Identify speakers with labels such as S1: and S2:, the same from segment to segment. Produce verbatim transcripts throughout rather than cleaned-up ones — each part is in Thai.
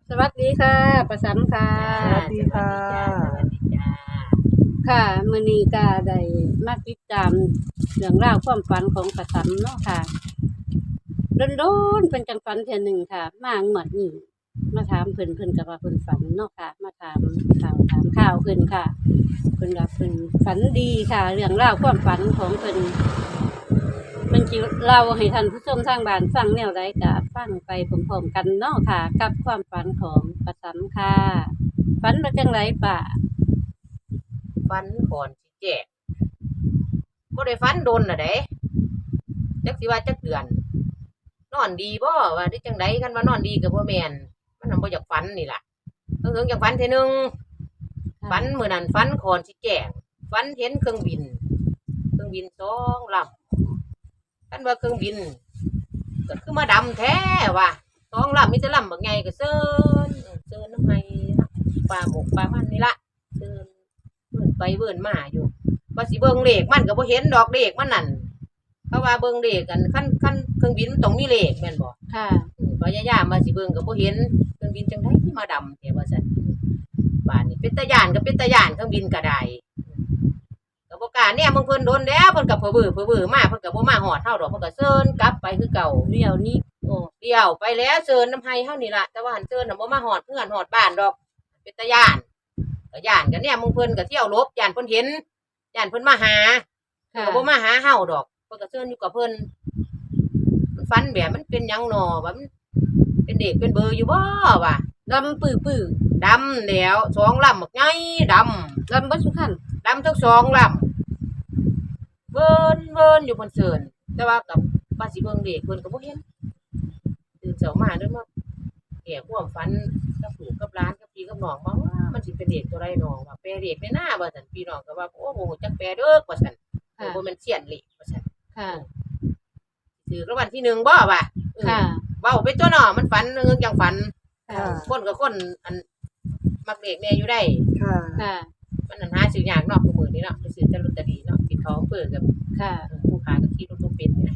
S1: สวัสดีค่ะประสันค่ะ
S2: สวัสดีค่ะ
S3: สวัสดีจ้า
S1: ค่ะมื้อนี้ก็ได้มาติดตามเรื่องราวความฝันของประสันเนาะค่ะโดนๆเป็นจังฝันเทื่อหนึ่งค่ะ มางวดนี้มาถามเพิ่นเพิ่นก็ว่าเพิ่นฝันเนาะค่ะ มาถามข่าวถามข่าวเพิ่นค่ะเพิ่นว่าเพิ่นฝันดีค่ะ เรื่องราวความฝันของเพิ่นเพิ่นสิเล่าให้ท่านผู้ชมทางบ้านฟังแนวใดก็ฟังไปพร้อมๆกันเนาะค่ะ กับความฝันของประสันค่ะฝันว่าจังไดป่ะ
S3: ฟันก่อนสิแจกบ่ได้ฟันโดนน่ะเด้จักสิว่าจักเดือน นอนดีบ่ว่าได้จังไดคันว่านอนดีก็บ่แม่นมันนำบ่อยากฝันนี่ล่ะเพิ่งๆอยากฝันเทื่อนึงฝันมื้อนั้นฝันก่อนสิแจกฝันเห็นเครื่องบิน เครื่องบินสองลำคันว่าเครื่องบินก็คือมาดำแท้ว่ะสองลำมีแต่ลำบักใหญ่ก็เซินเซินน้ำไห้นะปลาหมกปลามันนี่ล่ะเซินเบิ่นไปเบิ่นมาอยู่ว่าสิเบิ่งเลขมันก็บ่เห็นดอกเลขมันนั่นเพราะว่าเบิ่งเลขกันคันคันเครื่องบินมันต้องมีเลขแม่นบ่
S1: ค่ะ
S3: อือพยายามว่าสิเบิ่งก็บ่เห็นเครื่องบินจังได๋ที่มาดำแท้ว่าซั่นบ้านนี้เป็นตาย้านก็เป็นตาย้านเครื่องบินก็ได้ก็บ่กล้าแนมเบิ่งเพิ่นโดนแล้วเพิ่นก็เผลอเบ้อเผลอเบ้อมาเพิ่นก็บ่มาฮอดเฮาดอกเพิ่นก็เซินกลับไปคือเก่า
S1: เดี๋ยวนี้
S3: โอ้เดี่ยวไปแล้วเซินน้ำไห้เฮานี่ล่ะแต่ว่าหันเซินน่ะบ่มาฮอดเพื่อนฮอดบ้านดอกเป็นตาย้านก็ย้านก็แนมเบิ่งเพิ่นก็เที่ยวหลบย้านเพิ่นเห็นย้านเพิ่นมาหา
S1: ค่ะ
S3: ก็บ่มาหาเฮาดอกเพิ่นก็เชิญอยู่กับเพิ่นมันฝันแบบมันเป็นหยังหนอว่ามันเป็นเด็กเป็นเบอร์อยู่บ่ว่ะ
S1: ดำปื้อปื้อ
S3: ดำแล้วสองลำบักใหญ่ดำ
S1: ดำเบ่ทุกขัน
S3: ดำทั้งสองลำเวิ้นเวิ้นอยู่บนเสิร์นแต่ว่ากับว่าสิเบิ่งเด็กเพิ่นก็บ่เห็นตื่นเช้ามาเด้อมาแก่ความฝันกับลูกกับหลานกับพี่กับน้องว่ามันสิเป็นเด็กตัวใดน้อว่าแปลเด็กในหน้าว่าซั่นพี่น้องก็ว่าโอ้โหจักแปลเด้อว่าซั่น
S1: ค่ะ
S3: บ่แม่นเสียนเลขว่าซั่น
S1: ค่ะ
S3: ถือรางวัลที่หนึ่งบ่ว่ะ
S1: ค่ะ
S3: เว้าไปตัวเนาะมันฝันเรื่องจังฝัน
S1: ค่ะ
S3: คนกับคนอันมักเลขแน่อยู่ได้
S2: ค่ะ
S1: ค่ะ
S3: มันอันหาซื้อยากเนาะผู้มื้อนี้เนาะไปซื้อแต่ลอตเตอรี่เนาะที่เขาเปิดกับ
S1: ค่ะ
S3: เออผู้ค้าก็คิดว่าบ่เป็นเนี่ย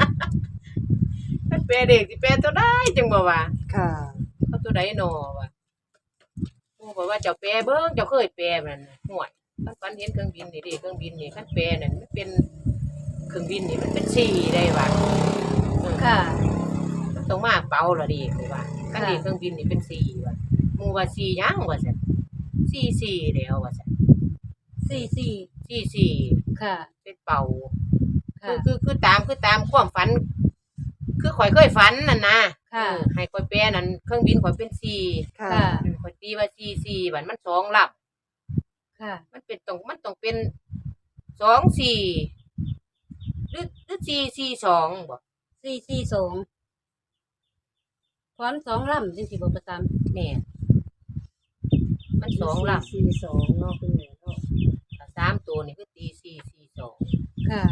S3: มันแปลเด็กสิแปลตัวใดจังบ่ว่า
S2: ค่ะ
S3: เอาตัวใดหนอว่าโอ้บอกว่าเจ้าแปลเบิ่งเจ้าเคยแปลมันน่ะห่วยคันฝันเห็นเครื่องบินนี่เด้เครื่องบินนี่คันแปลนั่นมันเป็นเครื่องบินนี่มันเป็นสี่ได้ว่าเออ
S1: ค่ะ
S3: มันต้องมาเป่าละเด้คือว่าคันเด็กเครื่องบินนี่เป็นสี่ว่าหมู่ว่าสี่หยังว่าซั่นสี่สี่แล้วว่าซั่น
S1: สี่สี่
S3: สี่สี่
S1: ค่ะ
S3: เป็นเป่า
S1: ค่ะ
S3: คือคือคือตามคือตามความฝัน คือข่อยเคยฝันนั่นนะ
S1: ค่ะ
S3: เออให้ข่อยแปลนั่นเครื่องบินข่อยเป็นสี่
S2: ค่ะ
S1: ค่ะ
S3: ข่อยตีว่าสี่สี่บัดมันสองล
S1: ค่ะ
S3: ำมันเป็นต้องมันต้องเป็นสองสี่หรือหรือสี่สี่สองบ่
S1: สี่สี่สองพร้อมสองลำจังสิบ่ประจำ
S3: แม่นมันสองล
S2: สี่สองเนาะคุณแม่เนาะ
S3: ำถ้าสามตัวนี่คือตีสี่สี่สอง
S1: ค่ะ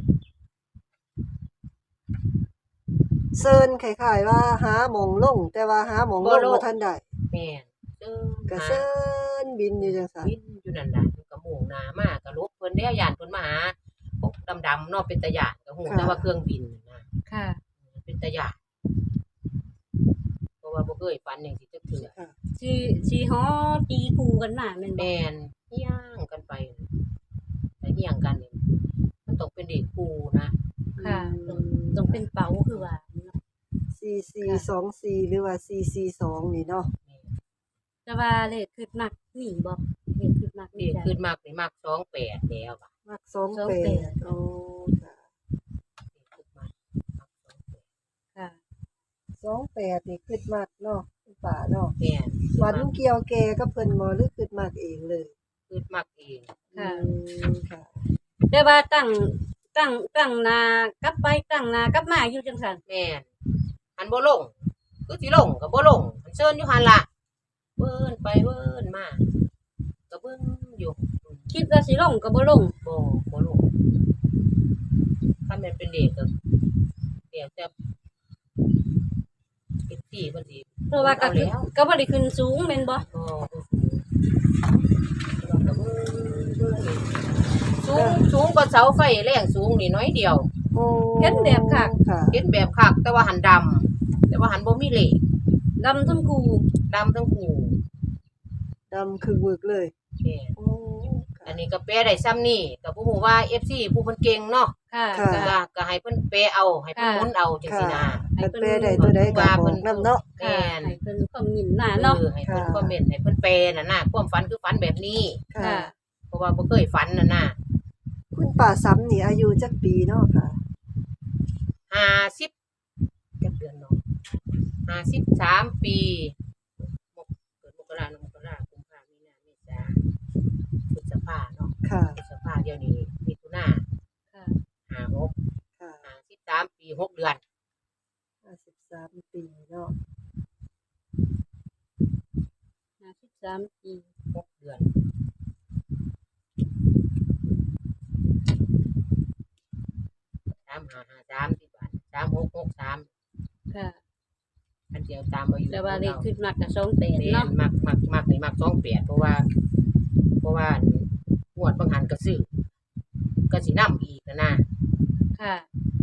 S2: เซินคล้ายๆว่าหาหมองลง แต่ว่าหาหมองลงบ่ทันได้
S3: แม่นเด้อ
S2: ก็
S3: หา
S2: เซินบินอยู่จังซั่น
S3: บินอยู่นั่นน่ะมันก็มุ่งหน้ามาก็ลบเพิ่นแล้วย่านเพิ่นมาหาพวกดำๆเนาะเป็นตาย่านก็ฮู้แต่ว่าเครื่องบินน่ะนะ
S1: ค่ะ
S3: เป็นตาย่านเพราะว่าบ่เคยฝันจังซี่จักเทื่อ
S2: ค่ะ
S1: สีสีฮอตีคู่กันมาแม่นบ่
S3: แม่นเฮี้ยงกันไปแต่เฮี้ยงกันนี่มันต้องเป็นเด็กคู่นะ
S1: ค่ะต้องต้องเป็นเป๋าคือว่าเนาะ
S2: สี่สี่สองสี่หรือว่าสี่สี่สองนี่เนาะ
S1: แต่ว่าเลขคือมักมีบ่เลขคือมักมี
S3: เด็ก
S1: จ้ะ
S3: ขึ้นมากนี่มากสองแปดแล้วอะ
S2: มักสองแปดโอ้ค่ะ
S3: เด็กขึ้นมากมักสองแปด
S1: ค่ะ
S2: สองแปดนี่คิดมากเนาะคุณป่าเนาะ
S3: แม่น
S2: ฝันเกี่ยวแกกับเพิ่นบ่หรือคิดมากเองเลย
S3: ขึ้นมากเอง
S1: ค่ะ
S2: อืมค่ะ
S1: แต่ว่าตั้งตั้งตั้งหนากลับไปตั้งหนากลับมาอยู่จังซั่น
S3: แม่นหันบ่ลงคือสิลงก็บ่ลงมันเชิญอยู่หั่นล่ะเบิ่นไปเบิ่นมาก็เบิ่งอยู่อืม
S1: คิดว่าสิลงก็บ่ลง
S3: บ่บ่ลงคันแม่นเป็นเด็กก็เดี๋ยวจะเป็นที่เพิ่นสิ
S1: เพราะว่าก็คือก็บ่ได้ขึ้นสูงแม่นบ่
S3: ก็สูงสูงกว่าเสาไฟแรงสูงนี่น้อยเดียว
S2: โอ้
S1: เห็นแบบคัก
S2: ค่ะ
S3: เห็นแบบคักแต่ว่าหันดำแต่ว่าหันบ่มีเหล็ก
S1: ดำทั้งคู่
S3: แดำทั้งคู่
S2: ดำคือบึกเลย
S3: แม่น
S2: โอ้ค่ะ
S3: อันนี้ก็แปลได้ซ้ำนี่ก็บ่ฮู้ว่า เอฟ ซี ผู้เพิ่นเก่งเนาะ
S1: ค่ะ
S2: ค่ะ
S3: ก็ก็ให้เพิ่นแปลเอาให้เพิ่นหมุนเอาจัง
S2: ค่ะ
S3: ซี่นะ
S2: เพิ่นแปลได้ตัวใดก็บอกนำเนาะ
S3: แม่น
S1: ให้เพิ่นคอมเมนต์มาเนาะ
S3: เออให้เพิ่น
S2: ค่ะ
S3: คอมเมนต์ให้เพิ่นแปลน่ะนะความฝันคือฝันแบบนี้
S2: ค่ะ
S1: ค่ะ
S3: เพราะว่าบ่เคยฝันน่ะนะ
S2: คุณป้าซ้ำนี่อายุจักปีเนาะค่ะ
S3: ห้าสิบจักเดือนเนาะห้าสิบสามปีมกเกิดมกราคมมกราคมกุมภาพันธ์มีนาเมษาพฤษภาเนาะ
S2: ค่ะ
S3: พฤษภาเดี๋ยวนี้มิถุนา
S1: ค่ะ
S3: ห้าหก
S2: ค่ะ
S3: ห้าสิบสามปีหกเดือน
S2: ห้าสิบสามปีเนาะ
S1: ห้าสิบสามปี
S3: หกเดือนสามห้าห้าสามสิบบาทสามหกหกสาม
S1: ค่ะ
S3: อันเดียวตามอายุ
S1: แต่ว่าเลข
S3: เรา
S1: ขึ้นมากกับสองแปด
S3: แม่
S1: เนาะ
S3: นมักมักมักนี่มักสองแปดเพราะว่า เพราะว่างวดบางหันก็ซื้อก็สินำอีกนะนะ
S1: ค่ะ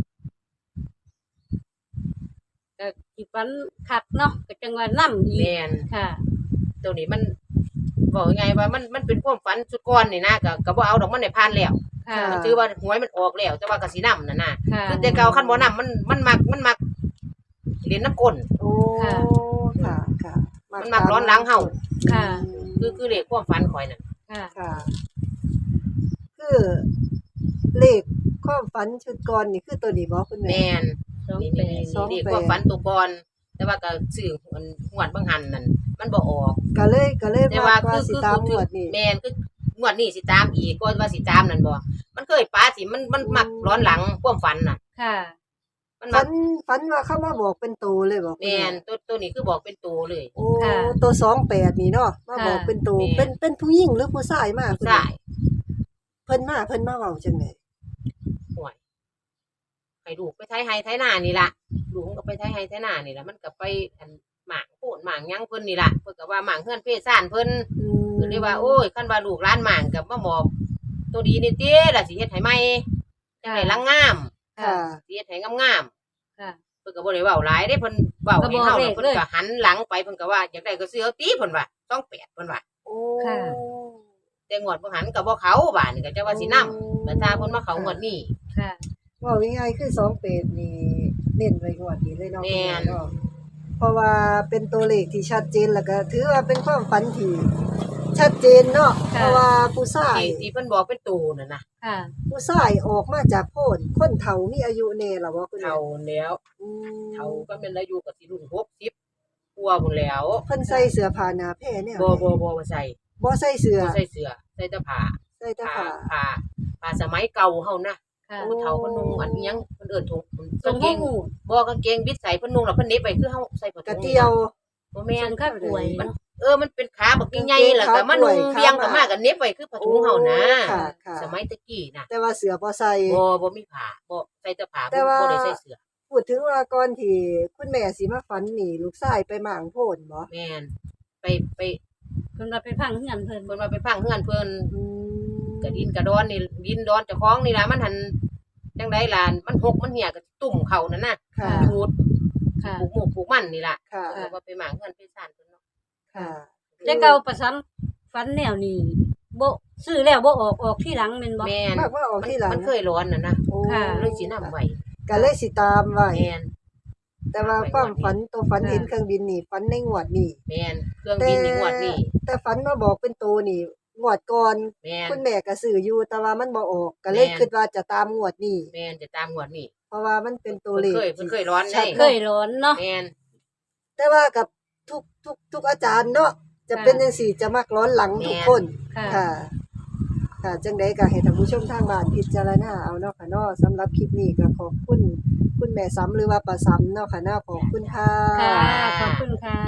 S1: ก็สิฟันคักเนาะก็จังว่านํอีก
S3: แม่น
S1: ค่ะ
S3: ตัวนี้มันบอกยังไงว่ามันมันเป็นความฝันสุดก่อนนี่นะก็ก็บ่เอาดอกมันได้ผ่านแล้ว
S1: ค่ะ
S2: อ่า
S3: ถือว่าหวยมันออกแล้ว แต่ว่าก็สินำน่ะนะ
S1: ค่ะ
S3: คือแต่เก่าคันบ่นำมันมันมักมันมักเรียนน้ำกล
S2: โอ้
S1: ค่ะ
S2: ค่ะ ค่ะ
S3: มันมักร้อนหลังเฮา
S1: ค่ะ
S3: คือคือเลขความฝันข่อยนั่น
S1: ค่ะ
S2: ค่ะ คือเลขความฝันชุดก่อนนี่คือตัวนี้บ่คุณแม่
S3: แม่น
S1: สอง
S3: นี่
S1: แป
S3: นี่
S1: ด
S2: สอง
S3: นี่
S2: แปด
S3: ความฝันตัวก่อนแต่ว่าก็ซื้อมันงวดบางหันนั่นมันบ่ออก
S2: ก็เลยก็เลย
S3: แต่
S2: มา
S3: ว่า
S2: ว่า
S3: คือ
S2: สิ
S3: คือ
S2: ตาม
S3: คื
S2: ง
S3: อ
S2: วดนี้
S3: แม่นคืองวดนี้สิตามอีกก็ว่าสิตามนั่นบ่มันเคยปาสิมันมันมักร้อนหลังความฝันน่ะ
S1: ค่ะ
S3: มันมั
S2: ฝั
S3: ก
S2: นฝันว่าเขามาบอกเป็นตัวเลยบอกคุณ
S3: แม่นตัวตัวนี้คือบอกเป็นตัวเลย
S2: โอ้
S1: ค่ะ
S2: ตัวสองแปดนี่เนาะมาบอก
S1: ค่ะ
S2: เป็นตัว
S3: แม่น
S2: เป็นเป็นผู้หญิงหรือผู้ชายมาคุณ
S3: ใช่
S2: แม่เพิ่นมาเพิ่นมาเว้าจังได๋
S3: ห่วยให้ลูกไปไทยไฮไทยนานี่ล่ะลูกมันก็ไปไทยไฮไทยนานี่ล่ะมันก็ไปอันหมางโพดหมางหยังเพิ่นนี่ล่ะเพิ่นก็ว่าหมางเฮือนเพศซ่านเพิ่น
S2: อืม
S3: เพิ่นเลยว่าโอ้ยคันว่าลูกหลานหมางก็มาบอกตัวดีนี่ติล่ะสิเฮ็ดให้ใหม่จังได๋ลังงาม
S2: ค่ะ
S3: สิเฮ็ดให้งามๆ
S1: ค่ะ
S3: เพิ่นก็บ่ได้เว้าหลายเด้เพิ่นเว้า
S1: ก็
S3: ให้
S1: บอก
S3: เฮา
S1: เล
S3: แล้ว
S1: ข
S3: เพิ่
S1: เล
S3: น
S1: ย
S3: ก็หันหลังไปเพิ่นก็ว่าอยากได้ก็ซื้อเอาติเพิ่นว่าสองแปดเพิ่นว่า
S2: โอ้
S1: ค่ะ
S3: แต่งวดบ่หันก็บ่เขาบาดนี่ก็จะว่าสินำแต่ถ้าเพิ่นมาเขางวดนี้
S1: ค่ะ
S2: เว้าง่ายๆคือสองแปดนี่เน้นไว้งวดนี้เลยเนาะ
S3: แม่น
S2: เนาะเพราะว่าเป็นตัวเลขที่ชัดเจนแล้วก็ถือว่าเป็นความฝันที่ชัดเจนเนาะ
S1: ค่ะ
S2: เพราะว่าผู้ชาย
S3: ที่ที่เพิ่นบอกเป็นตูนั่นน่ะ
S1: ค่ะ
S2: ผู้ชายออกมาจากโพนคนเฒ่ามีอายุแน่ล่ะบ่คุณแม่
S3: เฒ่าแล้ว
S2: อืม
S3: เฒ่าก็แม่นอายุก็สิรุ่นหกสิบกว่าพุ่นแล้ว
S2: เพิ่นใส่เสื้อผ้าหนาแพร่แนว
S3: บ่
S2: ใด
S3: บ่บ่บ่ใส่
S2: บ่ใส่เสื้อ
S3: บ่ใส่เสื้อใส่แต่ผ้า
S2: ใส่แต่
S3: ผ้า
S2: ผ้า
S3: ผ้าผ้าสมัยเก่าเฮานะ
S1: ค่ะ
S3: ผู้เฒ่าเพิ่นนุ่งอันอิหยังเพิ่นเอิ้นถุง
S1: ทรง
S3: กางเก
S1: บ่
S3: ง
S1: หู
S3: บ่กางเกงบิดใส่เพิ่นนุ่งแล้วเพิ่นเหน็บไปคือเฮาใส่ผ้าก
S2: ระ
S3: ถุง
S2: เตียว
S3: บ่
S1: แม่
S3: แม่น
S1: นข้าป่วย
S3: มัน
S1: เนาะ
S3: เออ มันเป็นขาบักใหญ่ๆแล้วก็มานุ่งเรียงกันมากันเน็บไว้คือผ้าถุงเฮานะ
S2: ค่ะค่ะ
S3: สมัยตะกี้น่ะ
S2: แต่ว่าเสื้อบ่ใส่
S3: บ่บ่มีผ้าบ่ใส่แต่ผ้า
S2: แต่
S3: บ่
S2: ว่า
S3: บ่ได้ใส่เสื้อ
S2: พูดถึงว่าก่อนที่คุณแม่สิมาฝันนี่ลูกชายไปหมางโพนบ่
S3: แม่นไปไป
S1: เพิ่นว่าไปพังเฮือนเพิ่น
S3: เพิ่นว่าไปพังเฮือนเพิ่น
S2: อืม
S3: กระดินกระดอนนี่ดินดอนเจ้าของนี่ล่ะมันหันจังได๋ล่ะมันหกมันเหี่ยก็ตุ่มเข้านั่นน่ะ
S2: ค่ะ
S3: จูด
S1: ค่ะ
S3: ปลูกหมูกปลูกมันนี่ล่ะ
S2: ค่ะ
S3: เออว่าไปหมางเฮือนไปซ่านเพิ่นเนาะ
S2: ค่ะ
S1: แต่เก่าประซ้ำฟันแนวนี้บ่ซื้อแล้วบ่ออกออกที่หลังแม่นบ่
S3: แม่น
S2: มากว่าออก
S3: มัน
S2: ที่หลัง
S3: มันเคยร้อนน่ะนะ
S2: โอ้
S1: ค่ะ
S3: เลยสินำไว้
S2: ก็เลยสิตามไว้
S3: แม่น
S2: แต่ว่าความฝันตัวฝันเห็นเครื่องบินนี่ฝันในงวดนี่
S3: แม่นเครื่องบินนี่งวดนี้
S2: แต่ฝันมาบอกเป็นตัวนี่งวดก่อน
S3: แม่น
S2: คุณแม่ก็ซื้ออยู่แต่ว่ามันบ่ออกก็เลย
S3: แม่น
S2: คิดว่าจะตามงวดนี้
S3: แม่นจะตามงวดนี้
S2: เพราะว่ามันเป็นตัวเลข
S3: เพิ่นเคยเพิ่นเคยร้อน
S2: ชัด
S3: ได้
S1: เคยร้อนเนาะ
S3: แม่น
S2: แต่ว่ากับทุกทุกทุกอาจารย์เนาะจะ
S1: ค่ะ
S2: เป็นจังซี่จะมักร้อนหลังทุกคน
S1: ค่ะ
S2: ค่ะ ค่ะจังไดก็ให้ท่านผู้ชมทางบ้านพิจารณาเอาเนาะค่ะเนาะสำหรับคลิปนี้ก็ขอบคุณคุณแม่ซ้ำหรือว่าป้าซ้ำเนาะค่ะเนาะขอบคุณค่ะ
S1: ค่ะ ขอบคุณค่ะ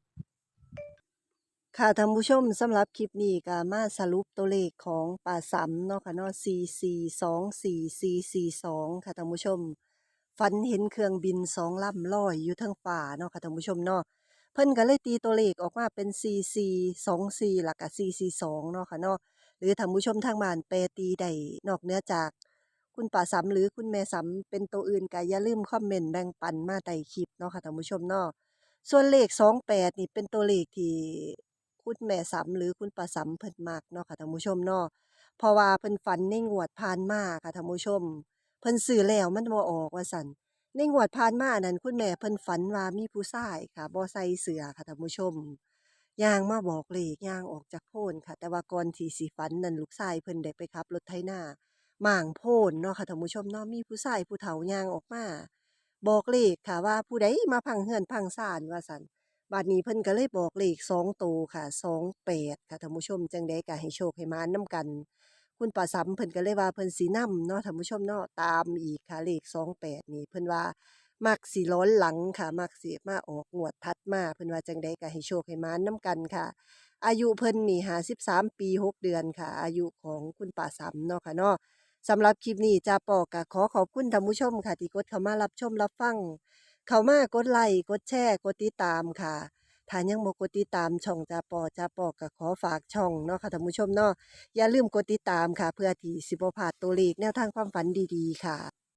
S2: ค่ะท่านผู้ชมสำหรับคลิปนี้ก็มาสรุปตัวเลขของป้าซ้ำเนาะค่ะเนาะสี่ สี่ สอง สี่ สี่ สี่ สองค่ะท่านผู้ชมฝันเห็นเครื่องบินสองลำลอยอยู่เทิงฟ้าเนาะค่ะท่านผู้ชมเนาะเพิ่นก็เลยตีตัวเลขออกมาเป็น สี่ สี่ สอง สี่ แล้วก็ สี่ สี่ สอง เนาะค่ะเนาะหรือท่านผู้ชมทางบ้านแปรตีได้นอกเหนือจากคุณป้าซ้ำหรือคุณแม่ซ้ำเป็นตัวอื่นก็อย่าลืมคอมเมนต์แบ่งปันมาใต้คลิปเนาะค่ะท่านผู้ชมเนาะส่วนเลขสองแปดนี่เป็นตัวเลขที่คุณแม่สำหรือคุณป้าสำเพิ่นมักเนาะค่ะท่านผู้ชมเนาะเพราะว่าเพิ่นฝันในงวดผ่านมาค่ะท่านผู้ชมเพิ่นซื้อแล้วมันบ่ออกว่าซั่นในงวดผ่านมานั้นคุณแม่เพิ่นฝันว่ามีผู้ชายค่ะบ่ใส่เสื้อค่ะท่านผู้ชมย่างมาบอกเลขย่างออกจากโพนค่ะแต่ว่าก่อนที่สิฝันนั้นลูกชายเพิ่นได้ไปขับรถไถนาม่างโพนเนาะค่ะท่านผู้ชมเนาะมีผู้ชายผู้เฒ่าย่างออกมาบอกเลขค่ะว่าผู้ใดมาพังเฮือนพังศาลว่าซั่น บัดนี้เพิ่นก็เลยบอกเลขสองโตวค่ะสองแปดค่ะท่านผู้ชมจั่งใดก็ให้โชคให้หมานนำกันคุณป้าสำเพิ่นก็เลยว่าเพิ่นสินำเนาะท่านผู้ชมเนาะตามอีกค่ะเลขสองแปดนี่เพิ่นว่ามักสิล้นหลังค่ะมักสิมาออกงวดถัดมาเพิ่นว่าจั่งใดก็ให้โชคให้หมานนำกันค่ะอายุเพิ่นนี่ห้าสิบสามปีหกเดือนค่ะอายุของคุณป้าสำเนาะค่ะเนาะสำหรับคลิปนี้จ้าปอก็ขอขอบคุณท่านผู้ชมค่ะที่กดเข้ามารับชมรับฟังเข้ามากดไลค์กดแชร์กดติดตามค่ะ ถ้ายังบ่กดติดตามช่องจาปอจาปอก็ขอฝากช่องเนาะค่ะท่านผู้ชมเนาะอย่าลืมกดติดตามค่ะเพื่อที่สิบ่พลาดตัวเลขแนวทางความฝันดีๆค่ะ